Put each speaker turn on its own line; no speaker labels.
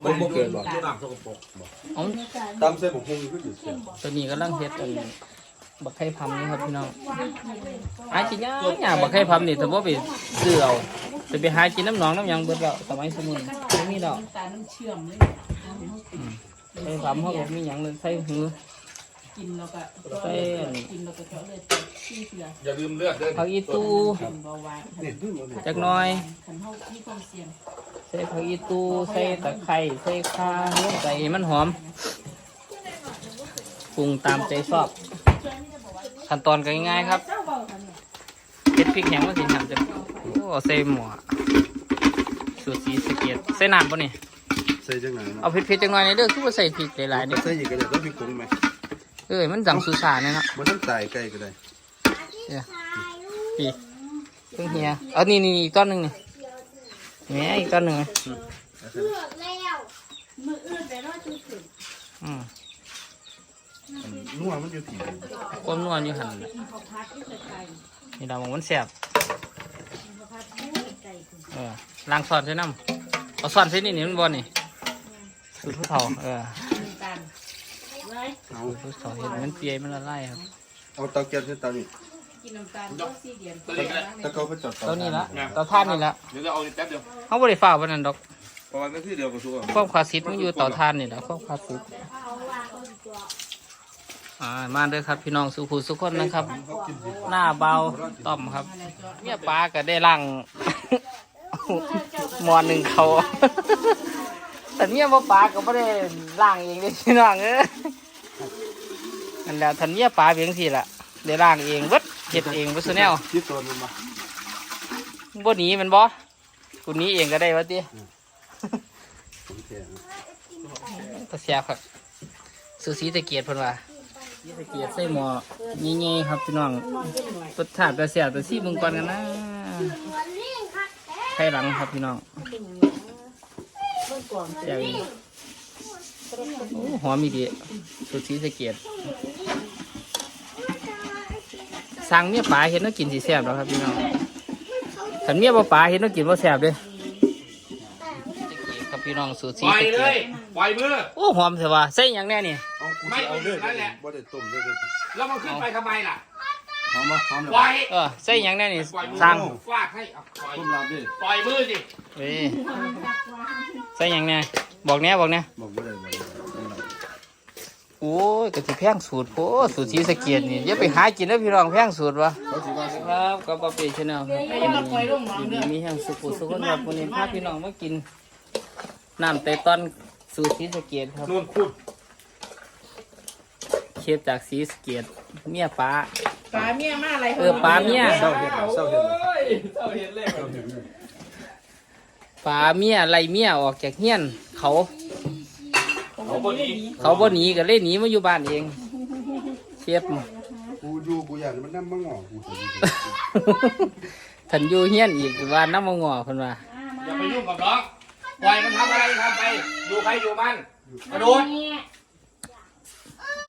มันบ่เกินหรอก
น้ำสกปรก
อ๋อ
ตำเส้นผมคงขึ้นอยู่เสีย
ตัวนี้กำลังเฮ็ดบักไข่พำนี่ครับพี่น้องหากินยากบักไข่พำนี่แต่ว่าไปซื้อเอาจะไปหากินน้ำหนองน้ำยังเบิดแล้วสมัยสมุนไม่มีดอก
ตาน้ำเชื่อมเลย
ไข่พำเขาบอกมีหยังเลยใส่หือ
กินแล้วก็
ใส่
กินแล้วก็เจาะเลยขี้เสือ
อย่าลืมเลือดด้วย
ผักอีตู
กินเบาหวาน
จักหน้อย
ขันเท่าที่ความเสี่ยง
ใส่ผักอีตูใส่ตะไคร้ใส่ข่าลงไปให้มันหอมปรุงตามใจชอบขั้นตอนก็ง่ายๆครับเผ็ดพริกแห้งมาสิทำจะโอ้ใส่หม้อสูตรสีสะเก็ดใส่น้ำป่ะนี่
ใส่จังไหน
เอาเผ็ดๆจังหน่อยนี่เด้อคือว่าใส่พริกหลายๆเด้อ
ใส่อีกก็ได้ต้องพริกผงไหม
มันจังสุสานเนี่ยเนาะ
มันต้องตายใกล้ก็ได้
เนี่ยปีเพิ่งเฮียเอานี่อีกต้นหนึ่งนี่แหมอีกต้นหนึ่ง
มืออื่นไปรอดจุดถึง
นัวมันอยู่ที่
ก้มนวลอยู่หันนี่ดาวมันแสบล้างซอนใส่น้ำเอาซอนใส่นี่มันบอลนี่สูตรผู้เฒ่า
ตาลไว้
เอา
สูตรผู้เฒ่าเห็นมันเปียมันละลายครับ
เอาเตาแก๊สใส่เตานี่
กินน้ำตาลก็4 เดือน
ตะเกาไปจอด
เท่านี้ละเตาท่านนี่ละ
เดี๋ยวจะเอาแป๊บเดียว
เขาบริฝ่าวันนั้นดอก
ประมาณนาทีเดียวก็ชัวร์
ความคลาสสิกมันอยู่เตาท่านนี่แหละความคลาสสิกมาเด้อครับพี่น้องสุขุสุขคนนะครับ หน้าเบาต่อมครับเนี่ยปลาก็ได้ล่าง หมอหนึ่งเขาแต่เนี่ยว่าปลาก็ไม่ได้ล่างเองเลยพี่น้องนั่นแหละทันเนี่ยปลาเพียงสิล่ะได้ล่างเองเบิดเฮ็ดเองเบิดซุแนว
คิดตัวมันมา
บ่หนีมันบ่กูหนี้เองก็ได้วะติ
ผมแข็ง
ตะเสียบครับสูสีตะเกียบเพิ่นว่าสีตะเกียบใส่หม้อใหญ่ๆครับพี่น้องรสชาติตะเสียบตะซี่เบิ่งก่อนกันนะไข่หลังครับพี่น้องแซ่บอีกโอ้หอมอีดีสูสีตะเกียบสั่งเมียปลาเห็นแล้วกินสิแซ่บแล้วครับพี่น้องถ้าเมียบ่ปลาเห็นแล้วกินบ่แซ่บเด้ครับพี่น้องสูตรสี
ปล่อย
สะ
เล
เกีย
ยปล่อยมือ
โอ้หอมเถอะว่าใส่หยังแน่นี่
เอากูจะเอาเลือดบ่ได้ต้มเลย
แล้วมันขึ้นไปทำไมล่ะ
หอมมาหอมเลย
ปล่อย
ใส่หยังแน่นี่
ปล่อยมือ
สั่ง
ฟาดให้เอาปล่อย
ต้มลาบดิ
ปล่อยมือสิ
เว้ยใส่หยังแน่บอกแน่บอกแน่
บอกบ่ได้บ่ได้
โอ้ยกะทิแพงสูตรโอ้สูตรสีสะเกียดนี่อย่าไปหากินนะพี่น้องแพงสูตรวะ
เขาสิว่า
ครับกับปาเป้ชาแนลครับอยู่ดีมีแห่งสุขุสุขคนครับวันนี้พาพี่น้องมากินน้ำไตตอนสูตรสีสะเกียดครับ
นู่นพูด
เชฟจากสีสะเกียดเมียป้า
ปลาเมียมาอะไร
ปลาเมีย
เศร้าเห็นเศร้าเห็น
เจ้าเห็นเลย
ปลาเมียไล่เมียออกจากเฮียนเขา
เขาบนี้
เขาบ่หนีก็เลยหนีมาอยู่บ้านเองเชฟ
กูอยู่กูอยากมันน้ำมังงอกู
ทันอยู่เฮียนอีกว่าน้ำมงอคนว่า
อย่าไปยุ่งกับน้องปล่อยมันทำอะไรทำไปอยู่ใครอยู่มันกระโดด